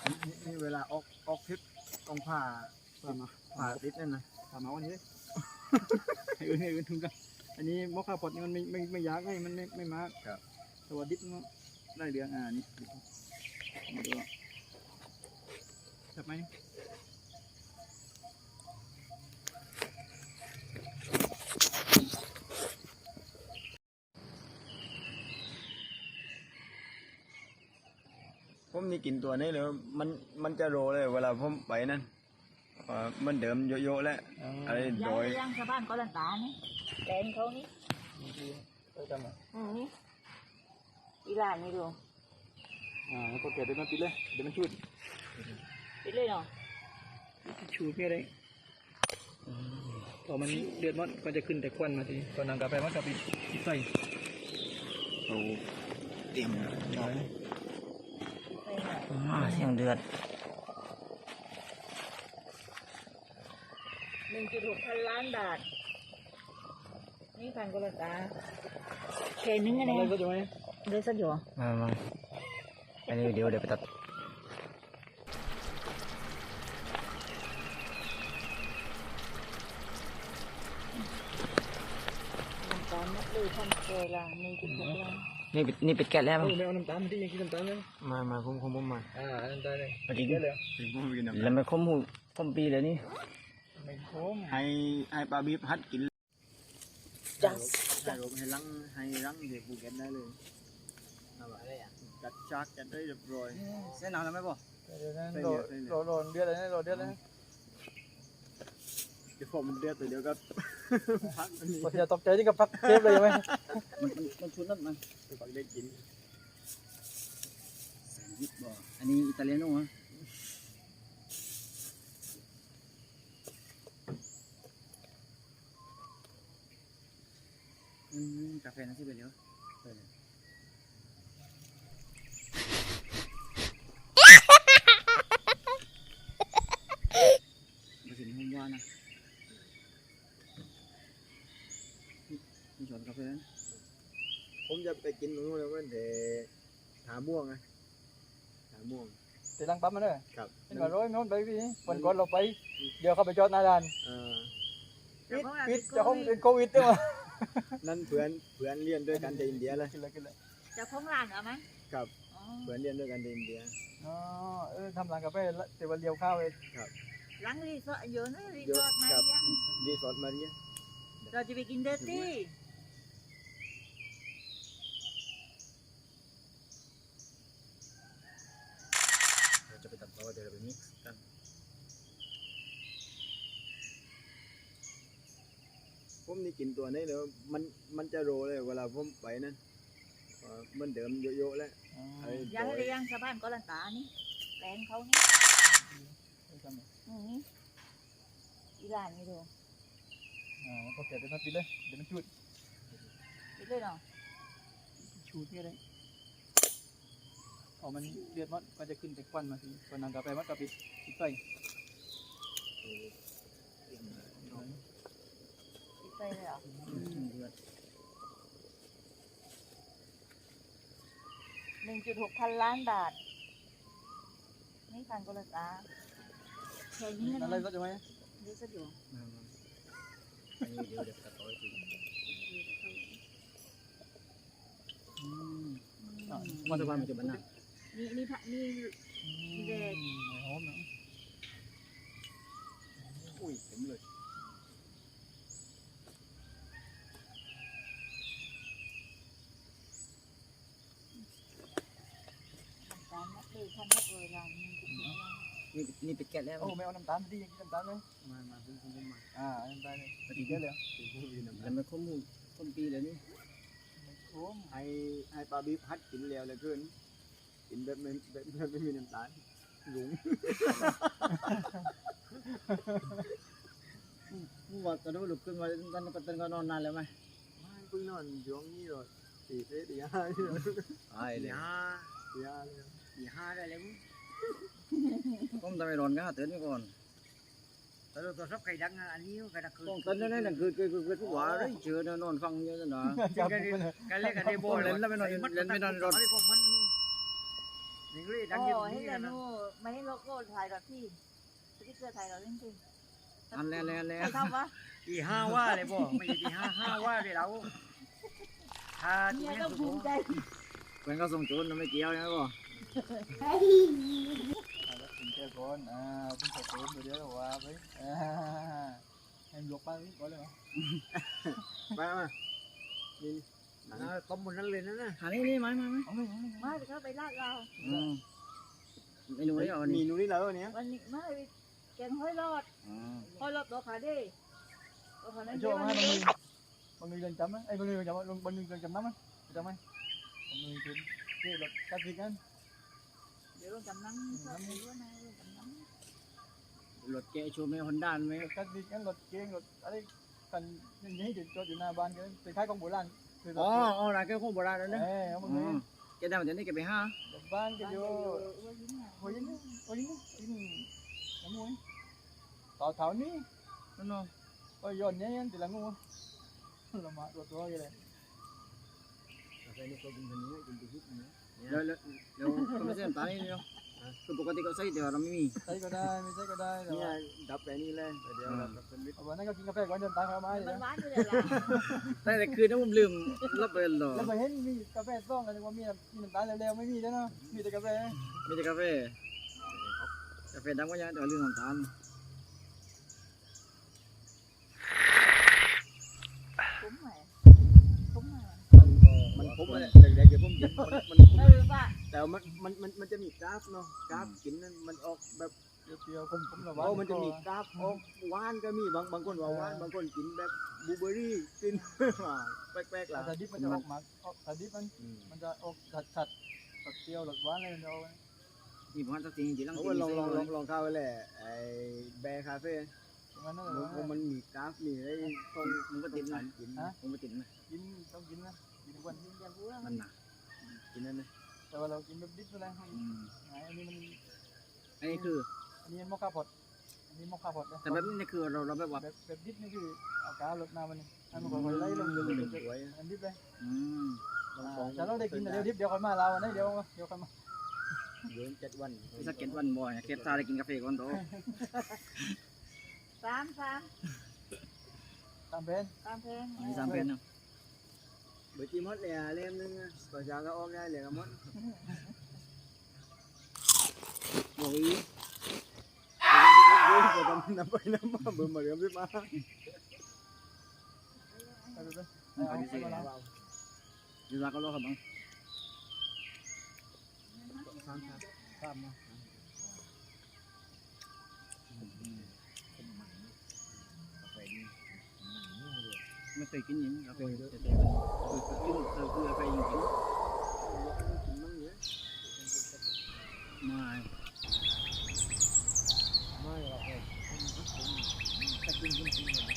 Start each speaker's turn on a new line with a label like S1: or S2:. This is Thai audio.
S1: นี่เวลาออกทริปต้องผ่าติดนั่นนะผ่าเมาส์อันนี้ให้อื่นทุกกันอันนี้มอคคาพอดนี่มันไม่ยากไงมันไม่มากครับแต่ว่าดิบมันได้เรื่องนี่มาดูจับไหมผมนี่กินตัวนี้เลยมันจะโรเลยเวลาผมไปนั่นมันเดิมโยๆแล้วอะไรโดย
S2: ย่างชาวบ้านก็ลันตานี่แดงเขานี่นี่อีหลานนี่ดู
S1: พอเกิดเดี๋ยวมันปิดเลยเดี๋ยวมันชุด
S2: ปิดเลยเนาะ
S1: ชูเพี้ยเลยพอมันเดือดมันก็จะขึ้นแต่ควันมาทีตอนนั้นกาแฟมันก็ปิดใส่เอาเตรียม
S2: เสียงเดือด1.6 พันล้านบาทนี่พันกุลตาแค่นึงอะไรเลยสักอยู่
S3: มาอันนี้เดี๋ยวไปตัด
S2: น้ำตาลนับเลยพันเกลือ1.6 ล้าน
S3: นี่เป็ดแกะแล้วมั้ง
S1: ไม่เอาน้ำตาลที่ยังกินน้ำตาลเลย
S3: มาผมมา
S1: น้ำตาลเลยมากินเยอะเลย
S3: แล้วไม่คมปีเลยนี่
S1: ไม่คมให้ปลาบีบฮัดกิน
S2: จัด
S1: ให้รังเด็กบูเก็ตได้เลยจัดชักจัดได้เรียบร้อย
S3: เส้นหนาวแล้วไหมบ่
S1: โรนเดือดเลยนะโรนเดือดเลยนะเดี๋ยวพอมันเดือดเดี๋ยวก็พักอย่าตกใจที่กับพักเทปเลยไหม
S3: มันชุดนั่นมัน
S1: พักได้กิน
S3: แซนด์วิชบ่อันนี้อิตาเลียโน่ฮะกาแฟนั่นสิไปเร็วมาถึงห้องว่านะมีช้อนกาแฟนั้น
S1: ผมจะไปกินตรงนู้นแล้วมันแต่ถาม่วงไงถาม่วง
S4: แต่ลังปั๊มมันเลย
S1: ครับ
S4: เป็นว่าร้อยโน้นไปพี่วันก่อนเราไปเดี๋ยวเขาไปจอดหน้าด่านปิดจะห้องเป็นโควิดด้วยมั้ย
S1: นั่นเพื่อนเรียนด้วยกันในอินเดียเลย
S2: จะพ้องร้านเหรอไหม
S1: ครับเพื่อนเรียนด้วยกันในอินเดีย
S4: ทำร้านกาแฟแต่วันเดียวข้าวเอง
S1: ครับ
S2: ร้านรีสอร์ทเยอะนะรีสอร์ทมาเรีย
S1: รีสอร์ทมาเรีย
S2: เราจะไปกินเดอร์ตี้
S1: เราจะไปตัดต่อเดี๋ยวเราไปมิกซ์กันผมนี่กินตัวนี้เลยมันจะโรเลยเวลาผมไปนั่นมันเดิมโยๆแล้ว
S2: ย่างชาวบ้านก็ลันตานี่แดงเขานี่อีหลานนี่ดู
S4: พอเกิดเดี๋ยวมันปิดเลยเดี๋ยวมันชุด
S2: ปิดเลยเนาะ
S4: ชูเพี้ยเลยพอมันเดือดมันก็จะขึ้นแต่ควันมาทีตอนนั้นกาแฟมันก็ปิดใส่
S2: ใช่เลยเหรอ1.6 พันล้านบาทนี่พันกุลตาแค่นี้
S4: อะไรก็จะไหม
S2: เดี๋ยวสักอยู่
S3: อันนี้เดี๋ยวตัดต่อจริง
S4: วันทุกวันมันจะบันหน้า
S2: นี่เด็ก
S4: หอมนะ
S1: อุ้ยเต็มเลย
S3: นี่เป็ดแกะแล้ว
S4: ไม่เอาน้ำตาลที่ยังกินน้ำตาลไหม
S1: มาผม
S4: น้ำตาลเลย
S1: ปฏิเยอะเลย
S3: แล้วไม่คมปีเลยนี่
S1: ให้ปลาบีบฮัดกินแล้วเลยขึ้นกินแบบไม่มีน้ำตาลหลุง
S3: ว่าตอนนั้นลุกขึ้นมาตอนก็นอนนานแล้วไหม
S1: ไม่เพิ่งนอนช่วงนี้เลยตีห้า
S3: ได้แล้วผมทำไมร้อนกันตื่นก่อน
S2: แต่เราตัวชอบไก่ดังอันนี้ไก่ดังคือ
S3: ต้องตื่นนั่นคือทุกวันเลยเชื่อนอนฟังเยอะจังหนา
S2: กันเล่นกันเดโบ
S3: เล่นแล้วไม่นอนร้อนนี่ก็เลยดั
S2: โอ้
S3: งอยู่
S2: ให้
S3: นี่
S2: แต่
S3: กันนะ
S2: นู่ไม่ให้โลโก้ถ่ายแบบที่สติ๊กเกอร์ถ่ายเราเล่นจริง
S3: อันแล้ว
S2: ใครทำวะ
S3: ตีห้าว่าเลยบ่ไม่ใช่ตีห้าว่าเลยเราถ้าตี
S2: เนี่ย
S3: นี้
S2: ก็
S3: สุด
S2: ภูมิใจ
S3: เพื่อนก็ส่งโจรไม่เกี่ยวนะบ่
S4: แล้วถึงแค่ก่อนต้องใส่เติมเดี๋ยวว่าไปให้ยกไปก่อนเลยเหรอ
S1: ไปมานี่ต้มบนนั้นเลยนะ
S3: หานี่ไหม
S4: เอาเลย
S2: มาจะเข้าไปลาดเรา
S3: เมนูนี้เอา
S1: มี
S3: นี่
S1: นูนี่แล้ววันนี้
S2: วันนี้มาแกงห้อยรอดห้อยรอดตัวขาดิตัวขานั้น
S4: โช
S2: เย
S4: ว์
S2: อะ
S4: มา
S2: มา
S4: บางทีเดินจำไหมไอ้บางทีเดินจำบางทีเดินจำน้ำไหมจำไหมบางทีเป็นที่รถกัดสิกัน
S2: เดี๋ยวลงจำน้ำก็ไม่รู้นะลงจำน้ำ
S3: รถแกโชว์ไม่ฮอนด้าไหม
S4: รถกัดสิกันรถเก๋งรถอะไรกันอย่างนี้จอดอยู่หน้าบ้านกันเป็นค่ายของโบราณ
S3: อ๋อร้านแกของโบราณแล้วนะ
S4: เอาบางที
S3: แกได้มาจากนี่แกไปห้า
S4: บ้านก็อยู่
S2: ว่ายิ้มอ่ะ
S4: โอ้ยนี่น้ำมวยต่อแถวนี้
S3: นั่นเนาะ
S4: ก็ย้อนเนี่ยทีละงูละมาตัวอย่างไร
S1: ใส่นี่ก็กินคนนี้กินไปฮิตนะ
S3: แล้วก็ไม่ใช่น้ำตาลนี่เนาะคือปกติเขาใส่แต่เราไม่มี
S4: ใช้ก็ได้ไม่ใช่ก็ได้แต่
S1: นี่
S4: ว่า
S1: ดับไปนี่เลยเดี๋ยวดับเป็นวิทย์
S4: วันนั้นก็กินกาแฟก่อนจนตายเขาไม้เลย
S2: มัน
S4: นะ
S2: หวานอยู่เลยล่ะ
S3: แต่คืนนั้นผมลืมรับไปหรอ
S4: แล้วไปเห็นมีกาแฟซ่องกันว่ามีน้ำตาลเร็วๆไม่มีแล้วเนาะมีแต่กาแฟ
S3: มีแต่กาแฟดำก็ยังแต่ลืมน้ำตาล
S2: คุ้มไหมคุ้มไหม
S1: มันผมอะไรแรกๆเดี๋ยวผมกินมัน
S2: ไม่รู้ป่ะ
S1: แต่มันจะมีกราฟเนาะกราฟกินนั้นมันออกแบบ
S4: เปรี้ยวๆผมละ
S1: โอ้มันจะมีกราฟออกหวานก็มีบางคนว่าหวานบางคนกินแบบบลูเบอร์รี่กินแปลกๆล่ะ
S4: แต่ดิบมันจะออกมาแต่ดิบมันจะออกชัดๆเปรี้ยวหลดหวานเลยเรา
S3: นี่ผมสักทีจริงๆ
S1: เขาลองเข้าไปแหละไอ้แบร์คาเฟ่
S4: งั้นนั่นแหละ
S1: มันมีกราฟมีไอ้ตรง
S3: มึงก็ติดนะ
S1: กิน
S3: ผมก็ติดนะ
S4: กินต้องกินนะกินวัน
S2: กินแต่บัว
S3: มันหนัก
S1: กินนั่นเลย
S4: แต่ว่าเรากินแบบดิบอะไรอันนี้มัน
S3: อันนี้คือ
S4: อันนี้มอคค่าพอดอันนี้มอคค่าพอด
S3: แต่แบบนี้คือเราแบบว่า
S4: แบบดิบนี่คือเอากาลดน้ำมันนี่อันมันก็ไล่ลงเลย
S1: สวย
S4: อันดิบเลย
S1: ลอง
S4: แต่เราได้กินแต่เดี๋ยวดิบเดี๋ยวคนมาเราอันนี้เดี๋ยวคนมา
S1: เดิน7 วัน
S3: สักเก็ตวันบ่อยเก็ตซาได้กินกาแฟก่อนโต
S2: สาม
S4: ตามเพน
S2: ตามเพลง
S3: มี3เป็นนะ
S1: เบอร์จีมดเลยเล่มนึงก็จะก็ออกได้เลยกับมด
S3: โอ้ย
S1: น้ำไปน้ำมาเบอร์มาเริ่มขึ้นมา
S4: ไปดูด้วย
S3: ยูซาก็รอครับบัง
S1: ข้ามมา
S3: ไม่เคยกินอย่างนี้กาแฟคือกินคือกาแฟจริง
S1: มั่งเยอะ
S3: ๆไม่
S1: ไม่หรอก
S3: ถ้ากิน